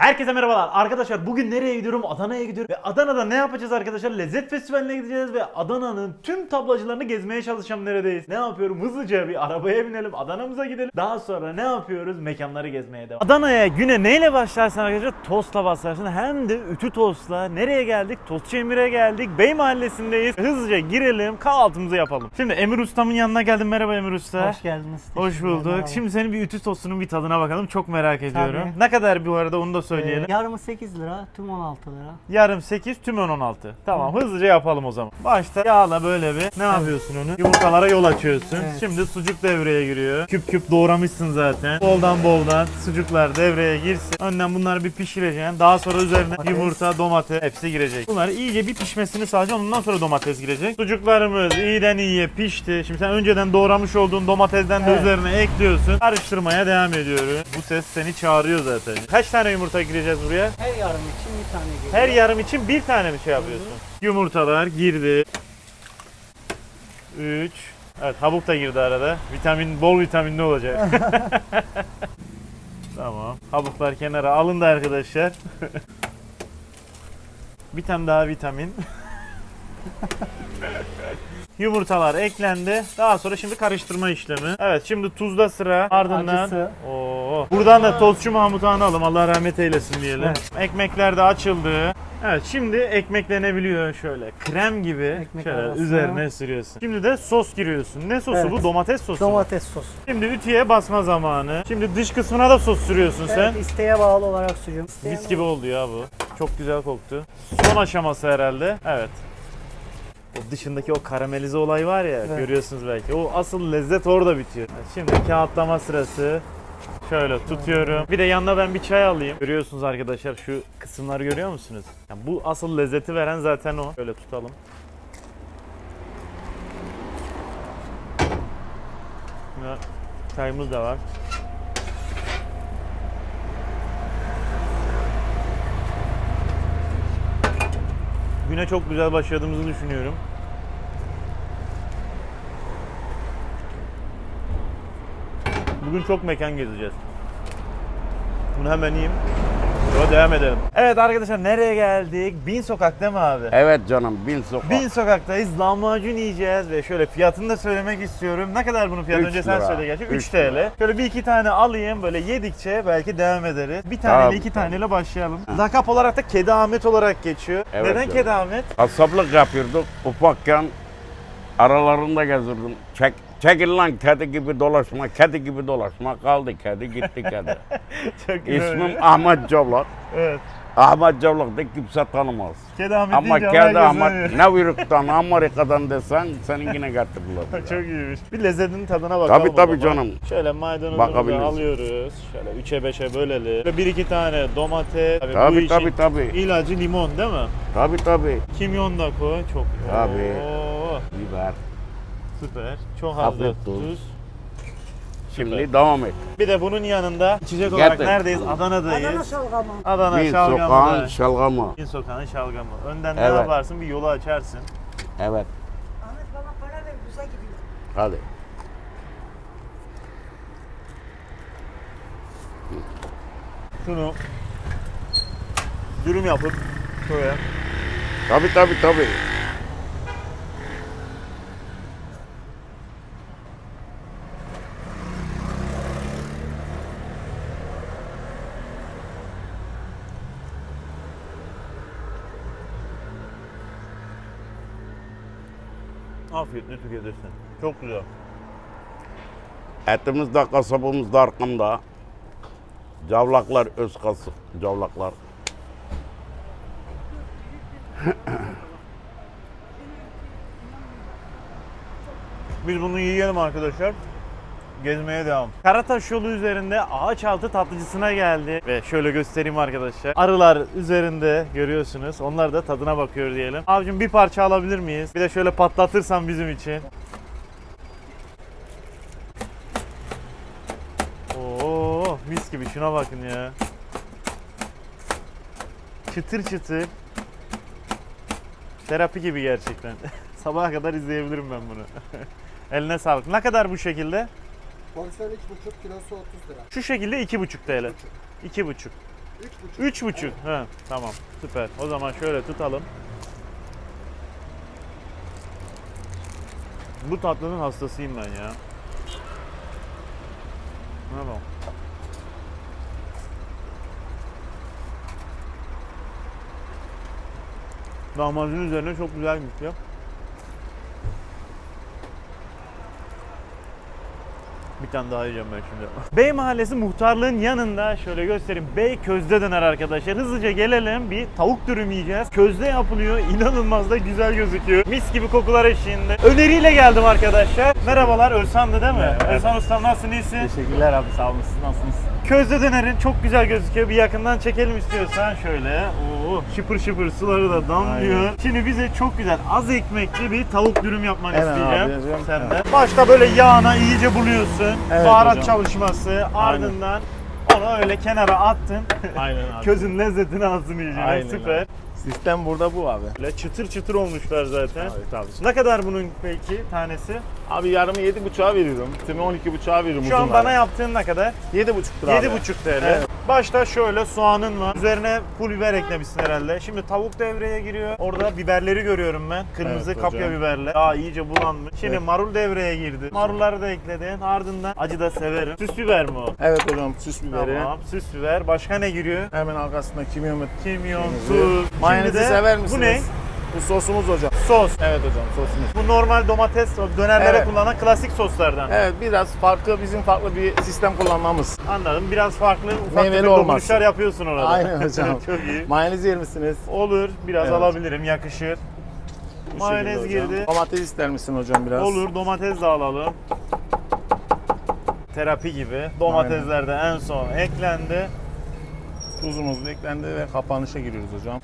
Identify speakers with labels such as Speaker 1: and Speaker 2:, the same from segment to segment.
Speaker 1: Herkese merhabalar. Arkadaşlar bugün nereye gidiyorum? Adana'ya gidiyorum. Ve Adana'da ne yapacağız arkadaşlar? Lezzet Festivali'ne gideceğiz ve Adana'nın tüm tablacılarını gezmeye çalışacağım neredeyiz. Ne yapıyorum? Hızlıca bir arabaya binelim. Adana'mıza gidelim. Daha sonra ne yapıyoruz? Mekanları gezmeye devam. Adana'ya güne neyle başlarsın arkadaşlar? Tostla başlarsın. Hem de ütü tostla. Nereye geldik? Tostçu Emir'e geldik. Bey Mahallesi'ndeyiz. Hızlıca girelim. Kahvaltımızı yapalım. Şimdi Emir Usta'mın yanına geldim. Merhaba Emir Usta.
Speaker 2: Hoş geldiniz.
Speaker 1: Hoş bulduk.
Speaker 2: Merhaba.
Speaker 1: Şimdi senin bir ütü tostunun bir tadına bakalım. Çok merak ediyorum.
Speaker 2: Tabii.
Speaker 1: Ne kadar bu arada onu da söyleyelim.
Speaker 2: Yarımı 8 lira, tüm 16 lira.
Speaker 1: Yarım 8, tüm 16. Tamam, hızlıca yapalım o zaman. Başta yağla böyle bir ne yapıyorsun onu? Yumurtalara yol açıyorsun.
Speaker 2: Evet.
Speaker 1: Şimdi sucuk devreye giriyor. Küp küp doğramışsın zaten. Boldan sucuklar devreye girsin. Önden bunları bir pişireceksin. Daha sonra üzerine yumurta, domates hepsi girecek. Bunları iyice bir pişmesini sağlayacaksın. Ondan sonra domates girecek. Sucuklarımız iyiden iyiye pişti. Şimdi sen önceden doğramış olduğun domatesden de
Speaker 2: Evet.
Speaker 1: üzerine ekliyorsun. Karıştırmaya devam ediyoruz. Bu ses seni çağırıyor zaten. Kaç tane yumurta gireceğiz buraya?
Speaker 2: Her yarım için bir tane geliyor.
Speaker 1: Her yarım için bir tane mi şey yapıyorsun? Yumurtalar girdi. 3. Evet, habuk da girdi arada. Bol vitaminli olacak. Tamam. Habuklar kenara alındı arkadaşlar. Bir tane daha vitamin. Yumurtalar eklendi. Daha sonra şimdi karıştırma işlemi. Evet, şimdi tuzda sıra. Ardından
Speaker 2: Acısı.
Speaker 1: Buradan da tostçu Mahmut'u analım. Allah rahmet eylesin diyelim.
Speaker 2: Evet.
Speaker 1: Ekmekler de açıldı. Evet, şimdi ekmeklenebiliyor şöyle. Krem gibi
Speaker 2: Ekmek
Speaker 1: şöyle
Speaker 2: arasına.
Speaker 1: üzerine sürüyorsun. Şimdi de sos giriyorsun. Ne sosu
Speaker 2: Evet.
Speaker 1: bu? Domates sosu. mu?
Speaker 2: Domates sosu.
Speaker 1: Şimdi ütüye basma zamanı. Şimdi dış kısmına da sos sürüyorsun sen.
Speaker 2: Evet, isteğe bağlı olarak sürüyorum.
Speaker 1: Mis gibi oldu ya bu. Çok güzel koktu. Son aşaması herhalde. Evet. O dışındaki o karamelize olay var ya,
Speaker 2: Evet.
Speaker 1: görüyorsunuz belki. O asıl lezzet orada bitiyor. Şimdi kağıtlama sırası. Şöyle tutuyorum. Bir de yanına ben bir çay alayım. Görüyorsunuz arkadaşlar, şu kısımları görüyor musunuz? Yani bu asıl lezzeti veren zaten o. Şöyle tutalım. Ve çayımız da var. Güne çok güzel başladığımızı düşünüyorum. Bugün çok mekan gezeceğiz. Bunu hemen yiyeyim. Sonra devam edelim. Evet arkadaşlar, nereye geldik? Bin Sokak değil mi abi?
Speaker 3: Evet canım, Bin Sokak.
Speaker 1: Bin Sokak'tayız. Lahmacun yiyeceğiz ve şöyle fiyatını da söylemek istiyorum. Ne kadar bunun fiyatı?
Speaker 3: 3
Speaker 1: Önce sen
Speaker 3: lira.
Speaker 1: söyle gerçi. 3
Speaker 3: 3
Speaker 1: TL.
Speaker 3: lira.
Speaker 1: Şöyle bir iki tane alayım, böyle yedikçe belki devam ederiz. Bir taneyle
Speaker 3: Tabii,
Speaker 1: iki
Speaker 3: tabii.
Speaker 1: taneyle başlayalım. Lakap olarak da Kedi Ahmet olarak geçiyor.
Speaker 3: Evet
Speaker 1: Neden
Speaker 3: canım.
Speaker 1: Kedi Ahmet?
Speaker 3: Kasaplık yapıyorduk. Ufakken aralarında gezirdim. Çekil lan kedi gibi dolaşma, kedi gibi dolaşma. Kaldı kedi, gitti kedi.
Speaker 1: Çok güzel.
Speaker 3: İsmim Ahmet Cavlak.
Speaker 1: Evet.
Speaker 3: Ahmet Cavlak da kimse tanımaz.
Speaker 1: Kedi Ahmet
Speaker 3: Ama
Speaker 1: deyince
Speaker 3: kedi
Speaker 1: herkes
Speaker 3: Ahmet
Speaker 1: tanıyor.
Speaker 3: ne uyruktan, Amerika'dan desen senin yine getirirler.
Speaker 1: Çok iyiymiş. Bir lezzetinin tadına bakalım.
Speaker 3: Tabii,
Speaker 1: o
Speaker 3: tabii
Speaker 1: zaman.
Speaker 3: canım.
Speaker 1: Şöyle maydanozumuzu
Speaker 3: Bakabiliriz.
Speaker 1: alıyoruz. Şöyle 3'e 5'e bölelim. Ve bir iki tane domates. Tabii, bu
Speaker 3: Tabii,
Speaker 1: işin
Speaker 3: tabii, tabii.
Speaker 1: ilacı limon değil mi?
Speaker 3: Tabii.
Speaker 1: Kimyon da koy. Çok.
Speaker 3: Tabii.
Speaker 1: Oo,
Speaker 3: Biber.
Speaker 1: süper. Çok az da
Speaker 3: Hafif tuz.
Speaker 1: tuz.
Speaker 3: Şimdi devam et.
Speaker 1: Bir de bunun yanında içecek olarak
Speaker 3: Getir.
Speaker 1: neredeyiz? Adana'dayız.
Speaker 2: Adana şalgamı.
Speaker 1: Adana
Speaker 3: Bin
Speaker 1: şalgamı.
Speaker 3: Sokak'ın
Speaker 1: da.
Speaker 3: şalgamı.
Speaker 1: Bin Sokak'ın şalgamı. Önden ne
Speaker 3: Evet.
Speaker 1: yaparsın? Bir yolu açarsın.
Speaker 3: Evet.
Speaker 2: Ahmet bana para ver, bize gidiyor.
Speaker 3: Hadi.
Speaker 1: Şunu dürüm yapıp şöyle.
Speaker 3: Tabii.
Speaker 1: Afiyetle tüketirsin. Çok güzel.
Speaker 3: Etimiz de kasabımız da arkamda. Cavlaklar öz kasık. Cavlaklar.
Speaker 1: Biz bunu yiyelim arkadaşlar. Gezmeye devam. Karataş yolu üzerinde Ağaçaltı tatlıcısına geldi. Ve şöyle göstereyim arkadaşlar. Arılar üzerinde görüyorsunuz. Onlar da tadına bakıyor diyelim. Abicim bir parça alabilir miyiz? Bir de şöyle patlatırsan bizim için. Oo, mis gibi, şuna bakın ya. Çıtır çıtır. Terapi gibi gerçekten. Sabaha kadar izleyebilirim ben bunu. Eline sağlık. Ne kadar bu şekilde?
Speaker 4: Porsiyonu 2,5 kilosu 30 lira.
Speaker 1: Şu şekilde 2,5 TL. 2,5. 3,5. Ha, tamam. Süper. O zaman şöyle tutalım. Bu tatlının hastasıyım ben ya. Tamam. Lahmacun üzerine çok güzel gidiyor. Bir tane daha yiyeceğim ben şimdi. Bey Mahallesi muhtarlığın yanında şöyle göstereyim. Bey közde döner arkadaşlar. Hızlıca gelelim. Bir tavuk dürüm yiyeceğiz. Közde yapılıyor. İnanılmaz da güzel gözüküyor. Mis gibi kokular eşliğinde. Öneriyle geldim arkadaşlar. Merhabalar. Özhan'dı değil mi?
Speaker 4: Merhaba.
Speaker 1: Özhan Ustam nasılsın? İyisin?
Speaker 4: Teşekkürler abi, sağ olun. Siz nasılsınız?
Speaker 1: Közde dönerin çok güzel gözüküyor. Bir yakından çekelim istiyorsan şöyle. Oo, şıpır şıpır suları da damlıyor.
Speaker 4: Aynen.
Speaker 1: Şimdi bize çok güzel az ekmekli bir tavuk dürüm yapmanı
Speaker 4: Hemen
Speaker 1: isteyeceğim.
Speaker 4: abi, yazıyorum.
Speaker 1: Senden. Başta böyle yağına iyice buluyorsun.
Speaker 4: Evet
Speaker 1: Baharat
Speaker 4: hocam.
Speaker 1: çalışması. Ardından onu öyle kenara attın.
Speaker 4: Aynen abi.
Speaker 1: Közün lezzetini alsın iyice.
Speaker 4: Aynen
Speaker 1: Süper.
Speaker 4: abi. Sistem burada bu abi.
Speaker 1: Böyle çıtır çıtır olmuşlar zaten.
Speaker 4: Abi tabii.
Speaker 1: Ne kadar bunun peki tanesi?
Speaker 4: Abi yarımı 7,5'a veriyorum. Tümü 12,5'a veriyorum.
Speaker 1: Şu an
Speaker 4: uzunları.
Speaker 1: bana yaptığın ne kadar?
Speaker 4: 7,5 lira abi.
Speaker 1: 7,5 TL.
Speaker 4: Evet.
Speaker 1: Başta şöyle soğanın var. Üzerine pul biber eklemişsin herhalde. Şimdi tavuk devreye giriyor. Orada biberleri görüyorum ben. Kırmızı
Speaker 4: Evet
Speaker 1: kapya
Speaker 4: hocam.
Speaker 1: biberler. Daha iyice bulanmış. Şimdi
Speaker 4: Evet.
Speaker 1: marul devreye girdi. Marulları da ekledin. Ardından acı da severim. Süs biber mi o?
Speaker 4: Evet hocam, süs biberi.
Speaker 1: Tamam. Süs biber. Başka ne giriyor?
Speaker 4: Hemen arkasında kimyon.
Speaker 1: Kimyon,
Speaker 4: Şimdi
Speaker 1: tuz.
Speaker 4: Mayonezi
Speaker 1: Şimdi de-
Speaker 4: sever misiniz?
Speaker 1: Bu ne?
Speaker 4: Bu sosumuz hocam.
Speaker 1: Sos.
Speaker 4: Evet hocam, sosumuz.
Speaker 1: Bu normal domates dönerlere
Speaker 4: Evet.
Speaker 1: kullanılan klasik soslardan.
Speaker 4: Evet, biraz farklı, bizim farklı bir sistem kullanmamız.
Speaker 1: Anladım. Biraz farklı ufak
Speaker 4: Meyveli
Speaker 1: tefek
Speaker 4: olması.
Speaker 1: dokunuşlar yapıyorsun orada.
Speaker 4: Aynen hocam.
Speaker 1: Çok iyi.
Speaker 4: Mayonez yer misiniz?
Speaker 1: Olur. Biraz
Speaker 4: Evet.
Speaker 1: alabilirim. Yakışır.
Speaker 4: Bu
Speaker 1: Mayonez
Speaker 4: şekilde hocam.
Speaker 1: girdi.
Speaker 4: Domates ister misin hocam biraz?
Speaker 1: Olur. Domates de alalım. Terapi gibi. Domatesler de en son eklendi.
Speaker 4: Tuzumuz da eklendi ve kapanışa giriyoruz hocam.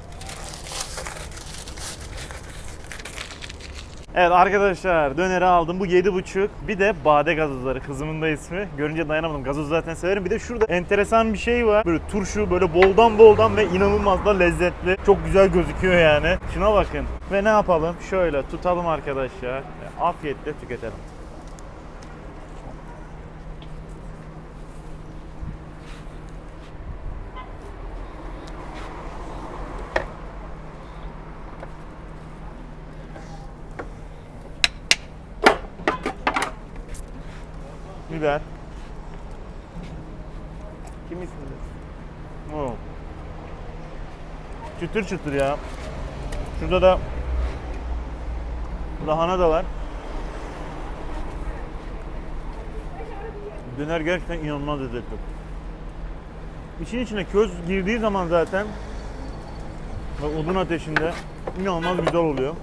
Speaker 1: Evet arkadaşlar döneri aldım. Bu 7,5. Bir de bade gazozları. Kızımın da ismi. Görünce dayanamadım. Gazoz zaten severim. Bir de şurada enteresan bir şey var. Böyle turşu böyle boldan ve inanılmaz da lezzetli. Çok güzel gözüküyor yani. Şuna bakın. Ve ne yapalım? Şöyle tutalım arkadaşlar. Ve afiyetle tüketelim. Biber.
Speaker 4: Kim istedi?
Speaker 1: Oo. Çıtır çıtır ya. Şurada da lahana da var. Döner gerçekten inanılmaz lezzetli. İçin içine köz girdiği zaman zaten ve odun ateşinde inanılmaz güzel oluyor.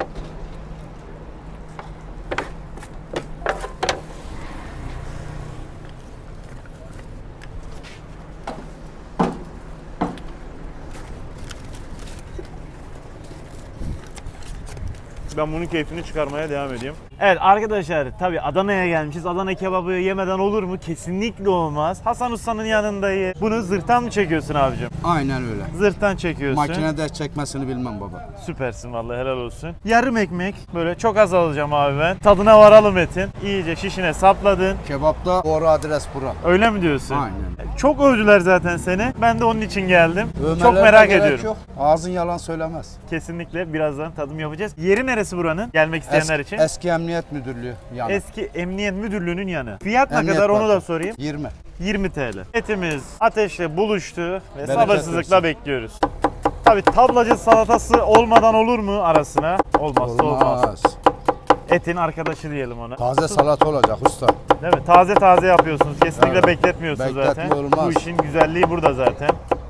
Speaker 1: Ben bunun keyfini çıkarmaya devam edeyim. Evet arkadaşlar tabii Adana'ya gelmişiz. Adana kebabı yemeden olur mu? Kesinlikle olmaz. Hasan Usta'nın yanındayız. Bunu zırhtan mı çekiyorsun abicim?
Speaker 5: Aynen öyle.
Speaker 1: Zırhtan çekiyorsun.
Speaker 5: Makinede çekmesini bilmem baba.
Speaker 1: Süpersin vallahi helal olsun. Yarım ekmek böyle çok az alacağım abi ben. Tadına varalım etin. İyice şişine sapladın.
Speaker 5: Kebapta doğru adres bura.
Speaker 1: Öyle mi diyorsun?
Speaker 5: Aynen.
Speaker 1: Çok övdüler zaten seni. Ben de onun için geldim.
Speaker 5: Övmelerine
Speaker 1: çok merak
Speaker 5: gerek
Speaker 1: ediyorum.
Speaker 5: Yok. Ağzın yalan söylemez.
Speaker 1: Kesinlikle birazdan tadım yapacağız. Yeri neresi buranın? Gelmek isteyenler için.
Speaker 5: Eski Emniyet Müdürlüğü yani.
Speaker 1: Eski Emniyet Müdürlüğü'nün yanı. Fiyat ne
Speaker 5: Emniyet
Speaker 1: kadar onu
Speaker 5: var.
Speaker 1: da sorayım.
Speaker 5: 20.
Speaker 1: 20 TL. Etimiz ateşle buluştu ve
Speaker 5: Bereket
Speaker 1: sabırsızlıkla
Speaker 5: versin.
Speaker 1: bekliyoruz. Tabii tablacı salatası olmadan olur mu arasına? Olmazsa olmaz.
Speaker 5: Olmaz.
Speaker 1: Etin arkadaşı diyelim ona.
Speaker 5: Taze salata olacak usta.
Speaker 1: Değil mi? Taze taze yapıyorsunuz. Kesinlikle
Speaker 5: Evet.
Speaker 1: bekletmiyorsunuz zaten.
Speaker 5: Bekletme olmaz.
Speaker 1: Bu işin güzelliği burada zaten.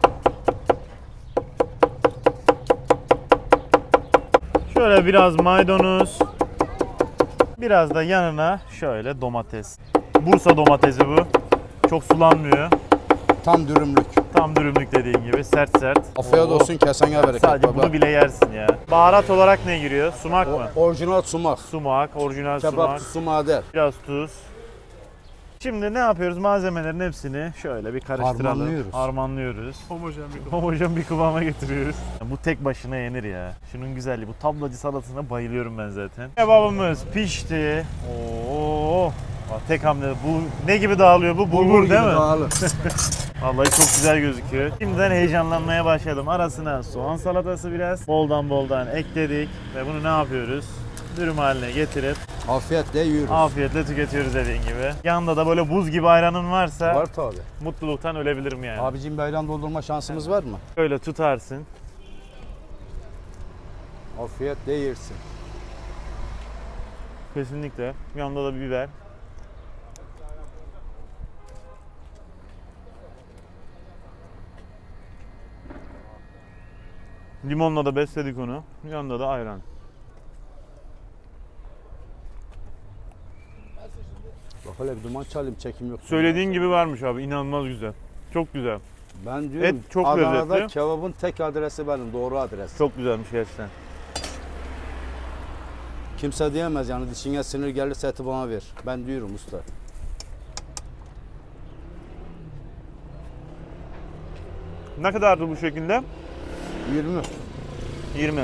Speaker 1: Şöyle biraz maydanoz. Biraz da yanına şöyle domates. Bursa domatesi bu. Çok sulanmıyor.
Speaker 5: Tam dürümlük.
Speaker 1: Tam dürümlük dediğin gibi sert sert.
Speaker 5: Afiyet
Speaker 1: Oo.
Speaker 5: olsun, kesene bereket
Speaker 1: Sadece
Speaker 5: baba.
Speaker 1: bunu bile yersin ya. Baharat olarak ne giriyor? Sumak mı?
Speaker 5: Orijinal sumak.
Speaker 1: Sumak, orijinal sumak.
Speaker 5: Kebapçı sumağı der.
Speaker 1: Biraz tuz. Şimdi ne yapıyoruz? Malzemelerin hepsini şöyle bir karıştıralım.
Speaker 5: Harmanlıyoruz.
Speaker 1: Harmanlıyoruz. Homojen bir kıvama getiriyoruz. Bu tek başına yenir ya. Şunun güzelliği. Bu tablacı salatasına bayılıyorum ben zaten. Kebabımız pişti. Oo. Bak tek hamle. Bu ne gibi dağılıyor bu? Bulgur değil mi?
Speaker 5: Dağılır.
Speaker 1: Vallahi çok güzel gözüküyor. Şimdiden heyecanlanmaya başladım. Arasına soğan salatası biraz boldan ekledik ve bunu ne yapıyoruz? Dürüm haline getirip
Speaker 5: Afiyetle yiyoruz.
Speaker 1: afiyetle tüketiyoruz dediğin gibi. Yanında da böyle buz gibi ayranın varsa
Speaker 5: Var tabi.
Speaker 1: mutluluktan ölebilirim yani.
Speaker 5: Abicim bir ayran doldurma şansımız var mı?
Speaker 1: Şöyle tutarsın.
Speaker 5: Afiyetle yersin.
Speaker 1: Kesinlikle. Yanında da bir biber. Limonla da besledik onu. Yanında da ayran.
Speaker 5: Bak hele bir duman çalayım, çekim yok.
Speaker 1: Söylediğin gibi varmış abi. İnanılmaz güzel. Çok güzel.
Speaker 5: Ben diyorum
Speaker 1: Et çok
Speaker 5: Adana'da
Speaker 1: lezzetli.
Speaker 5: kebabın tek adresi benim, doğru adres.
Speaker 1: Çok güzelmiş gerçekten.
Speaker 5: Kimse diyemez yani dişine sinir gelirse eti bana ver. Ben diyorum usta.
Speaker 1: Ne kadardı bu şekilde?
Speaker 5: 20.
Speaker 1: 20.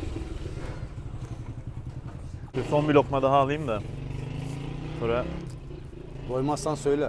Speaker 1: Son bir lokma daha alayım da. Sonra
Speaker 5: Doymazsan söyle.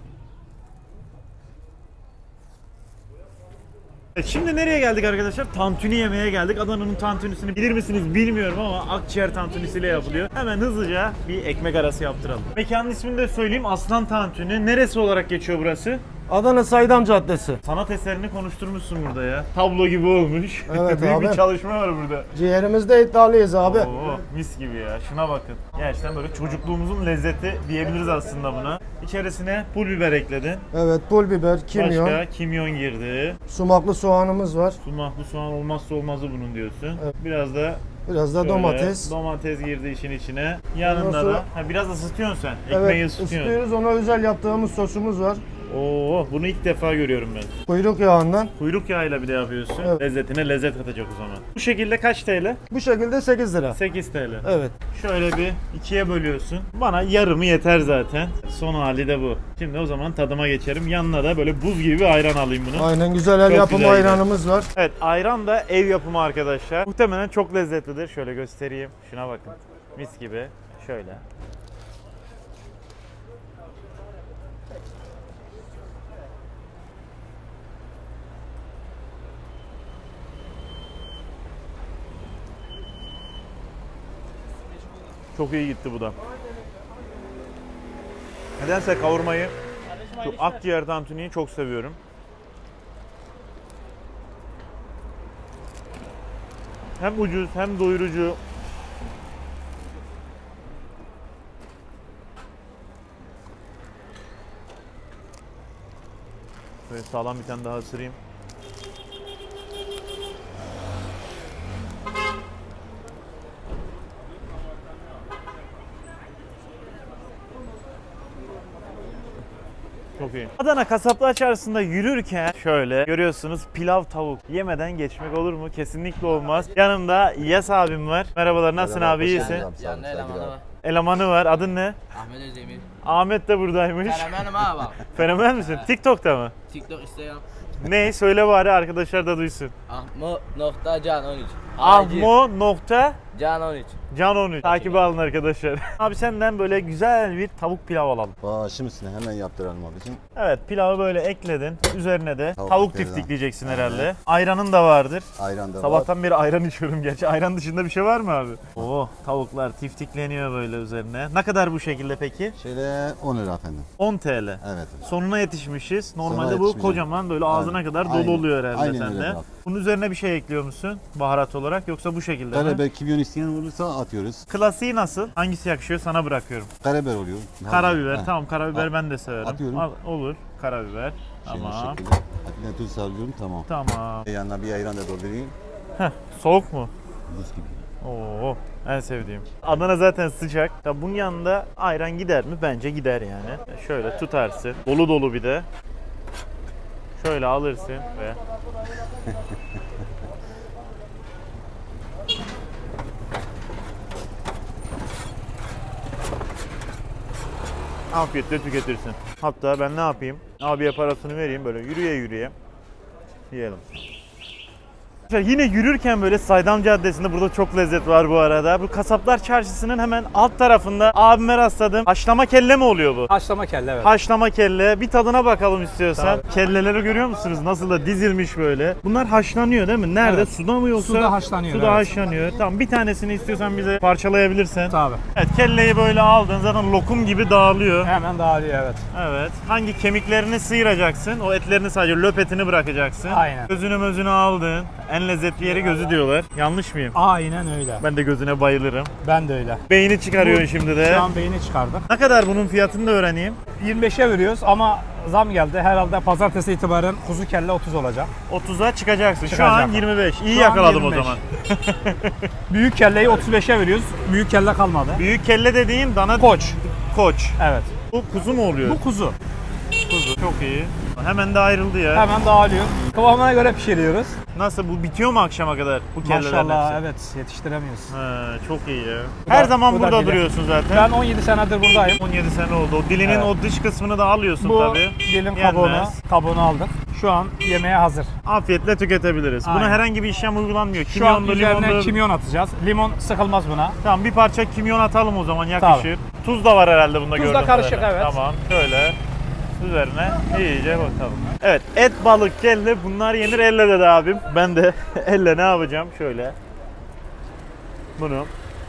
Speaker 1: Şimdi nereye geldik arkadaşlar? Tantuni yemeye geldik. Adana'nın tantunisini bilir misiniz bilmiyorum ama akciğer tantunisiyle yapılıyor. Hemen hızlıca bir ekmek arası yaptıralım. Mekanın ismini de söyleyeyim. Aslan Tantuni. Neresi olarak geçiyor burası?
Speaker 6: Adana Saydam Caddesi.
Speaker 1: Sanat eserini konuşturmuşsun burada ya. Tablo gibi olmuş.
Speaker 6: Evet
Speaker 1: Büyük
Speaker 6: abi.
Speaker 1: bir çalışma var burada.
Speaker 6: Ciğerimizde iddialıyız abi.
Speaker 1: Oo, mis gibi ya. Şuna bakın. Gerçekten böyle çocukluğumuzun lezzeti diyebiliriz aslında buna. İçerisine pul biber ekledin.
Speaker 6: Evet, pul biber, kimyon,
Speaker 1: Başka kimyon girdi.
Speaker 6: sumaklı soğanımız var.
Speaker 1: Sumaklı soğan olmazsa olmazı bunun diyorsun.
Speaker 6: Evet.
Speaker 1: Biraz da
Speaker 6: Biraz da
Speaker 1: şöyle
Speaker 6: domates.
Speaker 1: domates girdi işin içine. Yanında
Speaker 6: Ondan sonra-
Speaker 1: da biraz ısıtıyorsun sen. Ekmeği
Speaker 6: Evet,
Speaker 1: ısıtıyorsun.
Speaker 6: ısıtıyoruz. Ona özel yaptığımız sosumuz var.
Speaker 1: Oo, bunu ilk defa görüyorum ben.
Speaker 6: Kuyruk yağından.
Speaker 1: Kuyruk yağıyla bir de yapıyorsun.
Speaker 6: Evet.
Speaker 1: Lezzetine lezzet katacak o zaman. Bu şekilde kaç TL?
Speaker 6: Bu şekilde 8 lira.
Speaker 1: 8 TL.
Speaker 6: Evet.
Speaker 1: Şöyle bir ikiye bölüyorsun. Bana yarımı yeter zaten. Son hali de bu. Şimdi o zaman tadıma geçerim. Yanına da böyle buz gibi bir ayran alayım bunu.
Speaker 6: Aynen, güzel el
Speaker 1: Çok
Speaker 6: yapımı
Speaker 1: güzel
Speaker 6: ayranımız var.
Speaker 1: Evet, ayran da ev yapımı arkadaşlar. Muhtemelen çok lezzetlidir. Şöyle göstereyim. Şuna bakın. Mis gibi. Şöyle. Çok iyi gitti bu da. Nedense kavurmayı, şu akciğer tantuniyi çok seviyorum. Hem ucuz hem doyurucu. Böyle sağlam bir tane daha ısırayım. Çok iyi. Adana Kasaplar Çarşısı'nda yürürken şöyle görüyorsunuz pilav tavuk. Yemeden geçmek olur mu? Kesinlikle olmaz. Yanımda İlyas abim var. Merhabalar, nasılsın abi, iyisin?
Speaker 7: Yanında elemanı var.
Speaker 1: Elemanı var. Adın ne?
Speaker 7: Ahmet Özdemir.
Speaker 1: Ahmet de buradaymış.
Speaker 7: Fenomenim ha bak.
Speaker 1: Fenomen misin? TikTok'ta mı?
Speaker 7: TikTok, Instagram.
Speaker 1: Ne? Söyle bari arkadaşlar da duysun.
Speaker 7: Ahmo.can13.
Speaker 1: Ahmo nokta
Speaker 7: Can 13.
Speaker 1: Can 13. Takip alın arkadaşlar. Abi senden böyle güzel bir tavuk pilav alalım.
Speaker 8: Başım üstüne hemen yaptıralım abicim.
Speaker 1: Evet, pilavı böyle ekledin. Üzerine de
Speaker 8: Tavuk
Speaker 1: tavuk
Speaker 8: biberden.
Speaker 1: tiftikleyeceksin
Speaker 8: Aynen.
Speaker 1: herhalde. Ayranın da vardır.
Speaker 8: Ayran da var.
Speaker 1: Sabahtan beri ayran içiyorum gerçi. Ayran dışında bir şey var mı abi? Oo, tavuklar tiftikleniyor böyle üzerine. Ne kadar bu şekilde peki?
Speaker 8: Şöyle 10 lira efendim.
Speaker 1: 10 TL.
Speaker 8: Evet.
Speaker 1: Sonuna yetişmişiz. Normalde bu
Speaker 8: yetişmişiz.
Speaker 1: kocaman böyle ağzına
Speaker 8: Aynen.
Speaker 1: kadar dolu
Speaker 8: Aynen.
Speaker 1: oluyor herhalde
Speaker 8: Aynen öyle
Speaker 1: sende.
Speaker 8: kral.
Speaker 1: Bunun üzerine bir şey ekliyor musun baharat olarak yoksa bu şekilde mi?
Speaker 8: Karabiber, kimyon isteyen olursa atıyoruz.
Speaker 1: Klasiği nasıl? Hangisi yakışıyor sana bırakıyorum.
Speaker 8: Karabiber oluyor.
Speaker 1: Karabiber,
Speaker 8: Heh.
Speaker 1: tamam karabiber ben de severim.
Speaker 8: Atıyorum.
Speaker 1: Olur, karabiber.
Speaker 8: Şöyle
Speaker 1: Tamam.
Speaker 8: şekilde. Atilla tuz sarıyorum, tamam.
Speaker 1: Tamam.
Speaker 8: Yanına bir ayran da doldurayım.
Speaker 1: Heh, soğuk mu?
Speaker 8: Buz gibi.
Speaker 1: Oo, en sevdiğim. Adana zaten sıcak. Ya bunun yanında ayran gider mi? Bence gider yani. Şöyle tutarsın. Dolu dolu bir de. Şöyle alırsın ve afiyetle tüketirsin. Hatta ben ne yapayım? Abiye parasını vereyim böyle yürüye yürüye yiyelim. Yine yürürken böyle Saydam Caddesi'nde burada çok lezzet var bu arada. Bu Kasaplar Çarşısı'nın hemen alt tarafında abime rastladım. Haşlama kelle mi oluyor bu?
Speaker 9: Haşlama kelle evet.
Speaker 1: Haşlama kelle. Bir tadına bakalım istiyorsan.
Speaker 9: Tabii.
Speaker 1: Kelleleri görüyor musunuz? Nasıl da dizilmiş böyle. Bunlar haşlanıyor değil mi? Nerede?
Speaker 9: Evet.
Speaker 1: Suda mı yoksa?
Speaker 9: Suda haşlanıyor,
Speaker 1: Suda
Speaker 9: evet.
Speaker 1: haşlanıyor. Tamam, bir tanesini istiyorsan bize parçalayabilirsin.
Speaker 9: Tabii.
Speaker 1: Evet, kelleyi böyle aldın. Zaten lokum gibi dağılıyor.
Speaker 9: Hemen dağılıyor evet.
Speaker 1: Evet. Hangi kemiklerini sıyıracaksın? O etlerini sadece löp etini bırakacaksın.
Speaker 9: Aynen.
Speaker 1: Gözünü mözünü aldın. En lezzetli yeri gözü diyorlar. Yanlış mıyım?
Speaker 9: Aynen öyle.
Speaker 1: Ben de gözüne bayılırım.
Speaker 9: Ben de öyle.
Speaker 1: Beyni çıkarıyorsun şimdi de.
Speaker 9: Şu an beyni çıkardık.
Speaker 1: Ne kadar bunun fiyatını da öğreneyim.
Speaker 9: 25'e veriyoruz ama zam geldi. Herhalde pazartesi itibaren kuzu kelle 30 olacak.
Speaker 1: 30'a çıkacaksın. Şu
Speaker 9: Çıkacak.
Speaker 1: an 25. İyi
Speaker 9: Şu an
Speaker 1: yakaladım
Speaker 9: 25.
Speaker 1: o zaman.
Speaker 9: Büyük kelleyi 35'e veriyoruz. Büyük kelle kalmadı.
Speaker 1: Büyük kelle dediğin dana
Speaker 9: Koç.
Speaker 1: koç.
Speaker 9: Evet.
Speaker 1: Bu kuzu mu oluyor?
Speaker 9: Bu kuzu.
Speaker 1: kuzu. Çok iyi. Hemen de ayrıldı ya.
Speaker 9: Hemen dağılıyor. Kıvamına göre pişiriyoruz.
Speaker 1: Nasıl, bu bitiyor mu akşama kadar bu kellelerin
Speaker 9: Maşallah
Speaker 1: hepsi?
Speaker 9: evet yetiştiremiyoruz.
Speaker 1: He, çok iyi ya.
Speaker 9: Bu
Speaker 1: Her
Speaker 9: da-
Speaker 1: zaman
Speaker 9: bu da
Speaker 1: burada
Speaker 9: dili.
Speaker 1: duruyorsun zaten.
Speaker 9: Ben 17 senedir buradayım.
Speaker 1: 17 sene oldu. O dilinin
Speaker 9: Evet.
Speaker 1: o dış kısmını da alıyorsun
Speaker 9: Bu
Speaker 1: tabii.
Speaker 9: dilin
Speaker 1: Yenmez.
Speaker 9: kabuğunu aldık. Şu an yemeğe hazır.
Speaker 1: Afiyetle tüketebiliriz. Buna
Speaker 9: Aynen.
Speaker 1: herhangi bir işlem uygulanmıyor.
Speaker 9: Şu an
Speaker 1: Kimyonlu,
Speaker 9: üzerine
Speaker 1: limonlu.
Speaker 9: kimyon atacağız. Limon sıkılmaz buna.
Speaker 1: Tamam, bir parça kimyon atalım o zaman, yakışır. Tuz da var herhalde bunda,
Speaker 9: Tuz da
Speaker 1: gördüğüm
Speaker 9: karışık,
Speaker 1: kadarıyla.
Speaker 9: evet.
Speaker 1: Tamam, şöyle üzerine iyice bakalım. Evet, et, balık, kelle bunlar yenir elle dedi abim. Ben de elle ne yapacağım? Şöyle bunu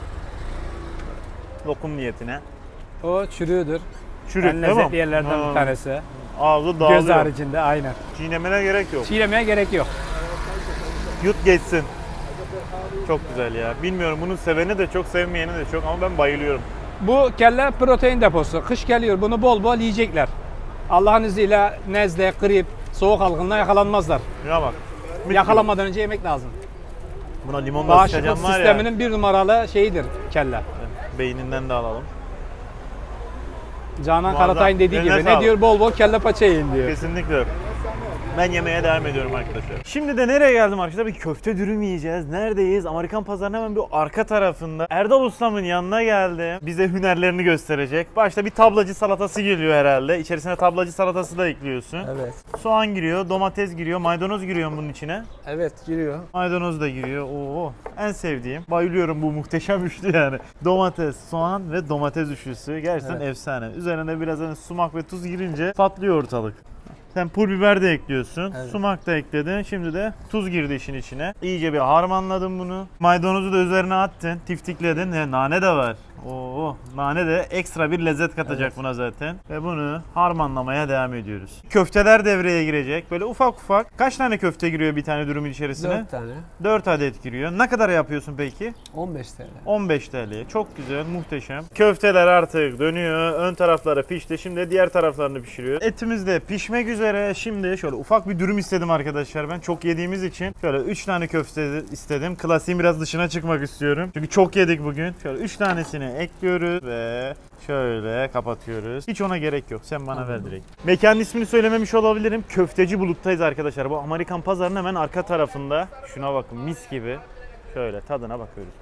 Speaker 1: lokum niyetine.
Speaker 9: O çürüğüdür.
Speaker 1: Çürük
Speaker 9: En
Speaker 1: değil mi?
Speaker 9: lezzetli yerlerden
Speaker 1: Ha,
Speaker 9: bir tanesi.
Speaker 1: Ağzı dağılıyor.
Speaker 9: Göz haricinde aynen.
Speaker 1: Çiğnemene gerek yok.
Speaker 9: Çiğnemeye gerek yok.
Speaker 1: Yut geçsin. Çok güzel ya. Bilmiyorum, bunun seveni de çok, sevmeyeni de çok ama ben bayılıyorum.
Speaker 9: Bu kelle protein deposu. Kış geliyor. Bunu bol bol yiyecekler. Allah'ın izniyle nezle, grip, soğuk algınlığına yakalanmazlar.
Speaker 1: Ya bak. mis
Speaker 9: Yakalanmadan önce yemek lazım.
Speaker 1: gibi. Buna limon da
Speaker 9: Bağışıklık
Speaker 1: sıkacağım var ya.
Speaker 9: sisteminin bir numaralı şeyidir kelle.
Speaker 1: Beyninden de alalım.
Speaker 9: Canan
Speaker 1: Muazzam.
Speaker 9: Karatay'ın dediği
Speaker 1: Eline
Speaker 9: gibi
Speaker 1: sağlık.
Speaker 9: ne diyor? Bol bol kelle paça yiyin diyor.
Speaker 1: Kesinlikle. Ben yemeğe devam ediyorum arkadaşlar. Şimdi de nereye geldim arkadaşlar? Bir köfte dürüm yiyeceğiz. Neredeyiz? Amerikan Pazarı'nın hemen bir arka tarafında. Erdal Ustam'ın yanına geldim. Bize hünerlerini gösterecek. Başta bir tablacı salatası geliyor herhalde. İçerisine tablacı salatası da ekliyorsun.
Speaker 9: Evet.
Speaker 1: Soğan giriyor, domates giriyor, maydanoz giriyor bunun içine.
Speaker 9: Evet giriyor.
Speaker 1: Maydanoz da giriyor. Oo, en sevdiğim. Bayılıyorum bu muhteşem üçlü yani. Domates, soğan ve domates üçlüsü. Gerçekten efsane. Üzerine biraz hani sumak ve tuz girince patlıyor ortalık. Sen pul biber de ekliyorsun.
Speaker 9: Evet.
Speaker 1: Sumak da ekledin. Şimdi de tuz girdi işin içine. İyice bir harmanladın bunu. Maydanozu da üzerine attın. Tiftikledin. Nane de var. Oo, nane de ekstra bir lezzet katacak buna zaten. Ve bunu harmanlamaya devam ediyoruz. Köfteler devreye girecek. Böyle ufak ufak. Kaç tane köfte giriyor bir tane dürümün içerisine?
Speaker 2: 4 tane.
Speaker 1: 4 adet giriyor. Ne kadar yapıyorsun peki?
Speaker 2: 15 TL.
Speaker 1: 15 TL. Çok güzel, muhteşem. Köfteler artık dönüyor. Ön tarafları pişti. Şimdi diğer taraflarını pişiriyor. Etimiz de pişmek üzere. Şimdi şöyle ufak bir dürüm istedim arkadaşlar ben. Çok yediğimiz için şöyle 3 tane köfte istedim. Klasiğin biraz dışına çıkmak istiyorum. Çünkü çok yedik bugün. Şöyle 3 tanesini ekliyoruz ve şöyle kapatıyoruz. Hiç ona gerek yok. Sen bana ver direkt. Mekanın ismini söylememiş olabilirim. Köfteci Bulut'tayız arkadaşlar. Bu Amerikan Pazarı'nın hemen arka tarafında. Şuna bakın, mis gibi. Şöyle tadına bakıyoruz.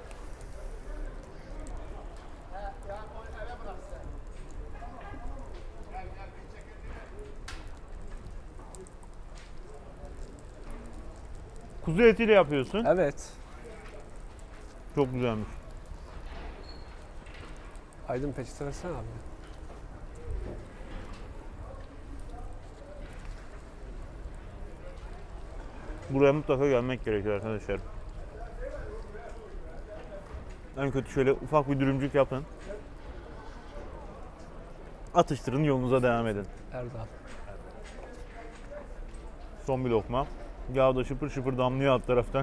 Speaker 1: Kuzu etiyle yapıyorsun.
Speaker 10: Evet.
Speaker 1: Çok güzelmiş.
Speaker 10: Aydın peçete versene abi.
Speaker 1: Buraya mutlaka gelmek gerekiyor arkadaşlar. En kötü şöyle ufak bir dürümcük yapın. Atıştırın, yolunuza devam edin.
Speaker 10: Erdal.
Speaker 1: Son bir lokma. Yağ da şıpır şıpır damlıyor alt taraftan.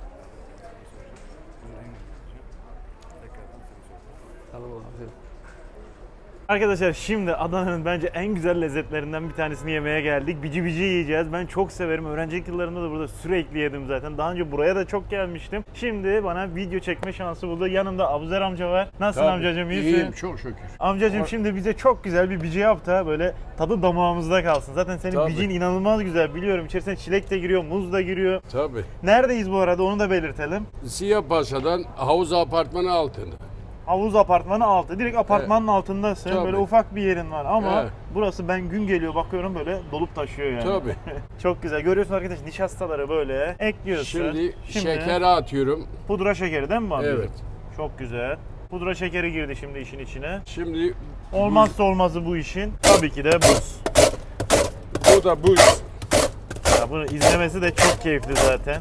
Speaker 10: Tamam abi.
Speaker 1: Arkadaşlar şimdi Adana'nın bence en güzel lezzetlerinden bir tanesini yemeye geldik. Bici bici yiyeceğiz. Ben çok severim. Öğrencilik yıllarımda da burada sürekli yedim zaten. Daha önce buraya da çok gelmiştim. Şimdi bana video çekme şansı buldu. Yanımda Abuzer amca var. Nasılsın amcacığım? İyisin?
Speaker 11: İyiyim çok şükür.
Speaker 1: Amcacığım şimdi bize çok güzel bir bici yap da böyle tadı damağımızda kalsın. Zaten senin
Speaker 11: Tabii.
Speaker 1: bicin inanılmaz güzel, biliyorum. İçerisine çilek de giriyor, muz da giriyor.
Speaker 11: Tabii.
Speaker 1: Neredeyiz bu arada, onu da belirtelim.
Speaker 11: Siyah Paşa'dan havuz apartmanı altında.
Speaker 1: Havuz apartmanı altı. Direkt apartmanın altındasın.
Speaker 10: Tabii.
Speaker 1: Böyle ufak bir yerin var ama
Speaker 10: Evet.
Speaker 1: burası ben gün geliyor bakıyorum böyle dolup taşıyor yani.
Speaker 10: Tabii.
Speaker 1: Çok güzel. Görüyorsun arkadaş nişastaları böyle ekliyorsun.
Speaker 10: Şimdi şekeri atıyorum.
Speaker 1: Pudra şekeri değil mi bu abi?
Speaker 10: Evet.
Speaker 1: Çok güzel. Pudra şekeri girdi şimdi işin içine.
Speaker 10: Şimdi
Speaker 1: Olmazsa olmazı bu işin tabii ki de buz.
Speaker 10: bu da buz.
Speaker 1: Ya bunu izlemesi de çok keyifli zaten.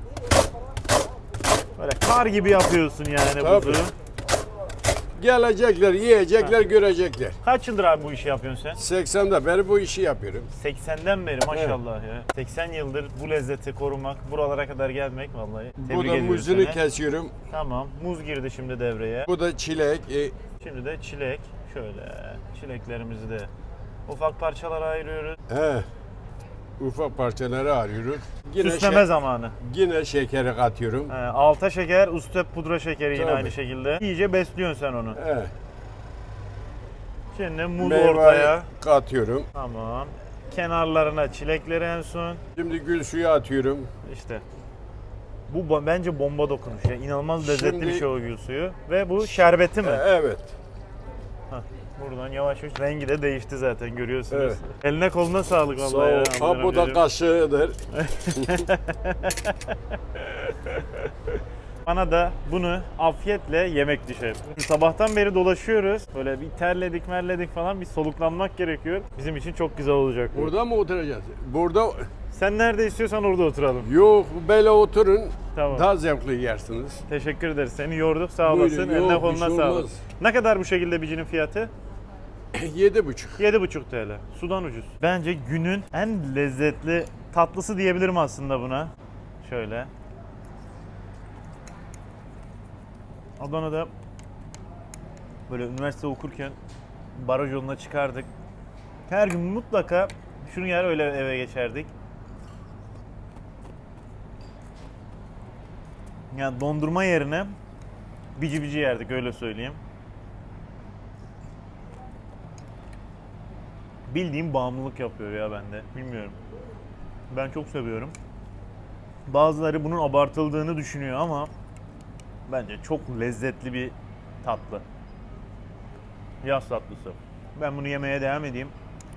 Speaker 1: Böyle kar gibi yapıyorsun yani
Speaker 10: Tabii.
Speaker 1: buzu.
Speaker 10: Gelecekler, yiyecekler, görecekler.
Speaker 1: Kaç yıldır abi bu işi yapıyorsun sen?
Speaker 10: 80'de beri bu işi yapıyorum.
Speaker 1: 80'den beri maşallah ya. 80 yıldır bu lezzeti korumak, buralara kadar gelmek vallahi. Tebrik
Speaker 10: Bu da
Speaker 1: ediyorum
Speaker 10: muzunu
Speaker 1: seni.
Speaker 10: kesiyorum.
Speaker 1: Tamam, muz girdi şimdi devreye.
Speaker 10: Bu da çilek.
Speaker 1: Şimdi de çilek. Şöyle çileklerimizi de ufak parçalara ayırıyoruz.
Speaker 10: Ufak parçaları arıyoruz.
Speaker 1: Süsleme zamanı.
Speaker 10: Yine şekeri katıyorum.
Speaker 1: Alta şeker, üstte pudra şekeri yine
Speaker 10: Tabii.
Speaker 1: aynı şekilde. İyice besliyorsun sen onu. Şimdi muz
Speaker 10: Meyveyi
Speaker 1: ortaya.
Speaker 10: katıyorum.
Speaker 1: Tamam. Kenarlarına çilekleri en son.
Speaker 10: Şimdi gül suyu atıyorum.
Speaker 1: İşte. Bu bence bomba dokunuş ya. İnanılmaz lezzetli
Speaker 10: Şimdi-
Speaker 1: bir şey o gül suyu. Ve bu şerbeti mi?
Speaker 10: Evet.
Speaker 1: Buradan yavaş yavaş rengi de değişti zaten görüyorsunuz.
Speaker 10: Evet.
Speaker 1: Eline koluna sağlık
Speaker 10: Sağ
Speaker 1: vallahi.
Speaker 10: ol.
Speaker 1: ya,
Speaker 10: Ha, bu da
Speaker 1: amcacığım.
Speaker 10: kaşığıdır.
Speaker 1: Bana da bunu afiyetle yemek düşer. Sabahtan beri dolaşıyoruz. Böyle bir terledik merledik falan bir soluklanmak gerekiyor. Bizim için çok güzel olacak bu.
Speaker 10: Burada mı oturacağız? Burada
Speaker 1: Sen nerede istiyorsan orada oturalım.
Speaker 10: yok, böyle oturun.
Speaker 1: Tamam.
Speaker 10: Daha zevkli yersiniz.
Speaker 1: Teşekkür ederiz. Seni yorduk sağ olasın.
Speaker 10: Buyurun,
Speaker 1: Eline
Speaker 10: yok,
Speaker 1: koluna
Speaker 10: bir şey
Speaker 1: sağlık.
Speaker 10: olmaz.
Speaker 1: Ne kadar bu şekilde bicinin fiyatı?
Speaker 10: 7,5.
Speaker 1: 7,5 TL. Sudan ucuz. Bence günün en lezzetli tatlısı diyebilirim aslında buna. Şöyle. Adana'da böyle üniversite okurken baraj yoluna çıkardık. Her gün mutlaka şunu yer öyle eve geçerdik. Yani dondurma yerine bici bici yerdik öyle söyleyeyim. Bildiğim bağımlılık yapıyor ya bende. Bilmiyorum. Ben çok seviyorum. Bazıları bunun abartıldığını düşünüyor ama bence çok lezzetli bir tatlı. Yaz tatlısı. Ben bunu yemeye devam edeyim.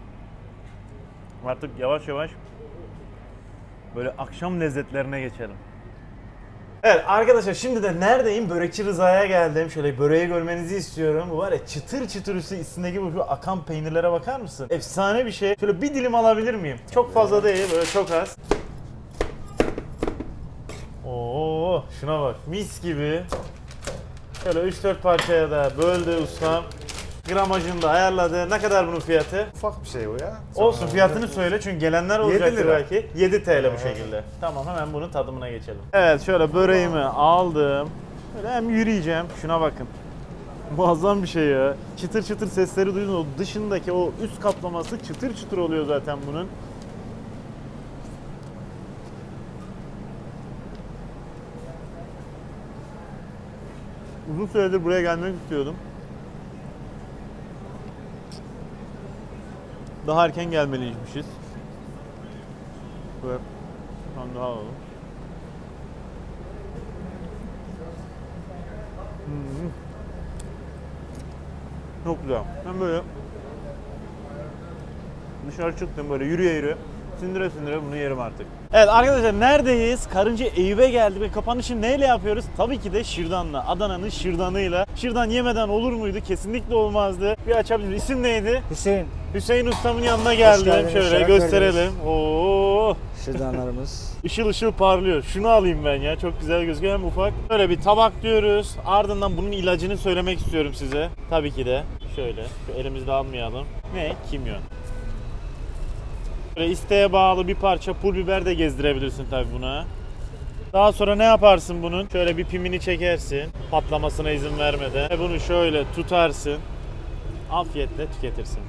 Speaker 1: Artık yavaş yavaş böyle akşam lezzetlerine geçelim. Evet arkadaşlar şimdi de neredeyim? Börekçi Rıza'ya geldim. Şöyle böreği görmenizi istiyorum. Bu var ya çıtır çıtır üstündeki bu şu akan peynirlere bakar mısın? Efsane bir şey. Şöyle bir dilim alabilir miyim? Çok fazla değil böyle çok az. Oo şuna bak mis gibi. Şöyle 3-4 parçaya da böldü ustam. Gramajını da ayarladı. Ne kadar bunun fiyatı?
Speaker 6: Ufak bir şey o ya.
Speaker 1: Olsun fiyatını söyle çünkü gelenler olacaktır
Speaker 6: lira.
Speaker 1: belki. 7 TL bu şekilde. Tamam hemen bunun tadımına geçelim. Evet şöyle böreğimi aldım. Böyle hem yürüyeceğim. Şuna bakın. Muazzam bir şey ya. Çıtır çıtır sesleri duydun. O dışındaki o üst kaplaması çıtır çıtır oluyor zaten bunun. Uzun süredir buraya gelmek istiyordum. Daha erken gelmeliymişiz. Böyle şu an daha alalım. Çok güzel. Ben böyle dışarı çıktım böyle yürüye yürüye. Sindire sindire bunu yerim artık. Evet arkadaşlar neredeyiz? Karınca Eyüp'e geldik ve kapanışı neyle yapıyoruz? Tabii ki de şırdanla. Adana'nın şırdanıyla. Şırdan yemeden olur muydu? Kesinlikle olmazdı. Bir açabiliriz. İsim neydi?
Speaker 2: Hüseyin.
Speaker 1: Hüseyin ustamın yanına geldim.
Speaker 2: geldiniz,
Speaker 1: Şöyle
Speaker 2: şeref
Speaker 1: gösterelim. Oo,
Speaker 2: Şırdanlarımız.
Speaker 1: ışıl ışıl parlıyor. Şunu alayım ben ya. Çok güzel gözüküyor hem ufak. Böyle bir tabak diyoruz. Ardından bunun ilacını söylemek istiyorum size. Tabii ki de. Şöyle. Şu elimizde almayalım. Ne? Kimyon. Böyle isteğe bağlı bir parça pul biber de gezdirebilirsin tabii buna. Daha sonra ne yaparsın bunun? Şöyle bir pimini çekersin. Patlamasına izin vermeden. Ve bunu şöyle tutarsın. Afiyetle tüketirsin.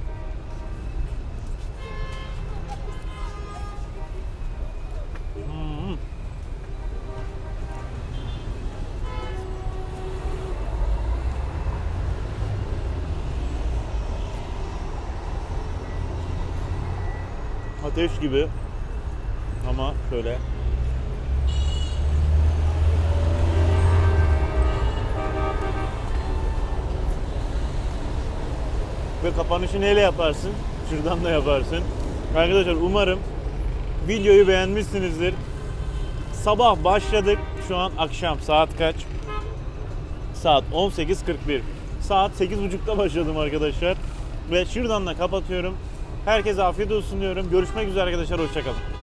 Speaker 1: Ateş gibi ama şöyle Ve kapanışı neyle yaparsın? Şuradan da yaparsın. Arkadaşlar umarım videoyu beğenmişsinizdir. Sabah başladık. Şu an akşam. Saat kaç? Saat 18.41. Saat 8.30'da başladım arkadaşlar. Ve şuradan da kapatıyorum. Herkese afiyet olsun diyorum. Görüşmek üzere arkadaşlar. Hoşçakalın.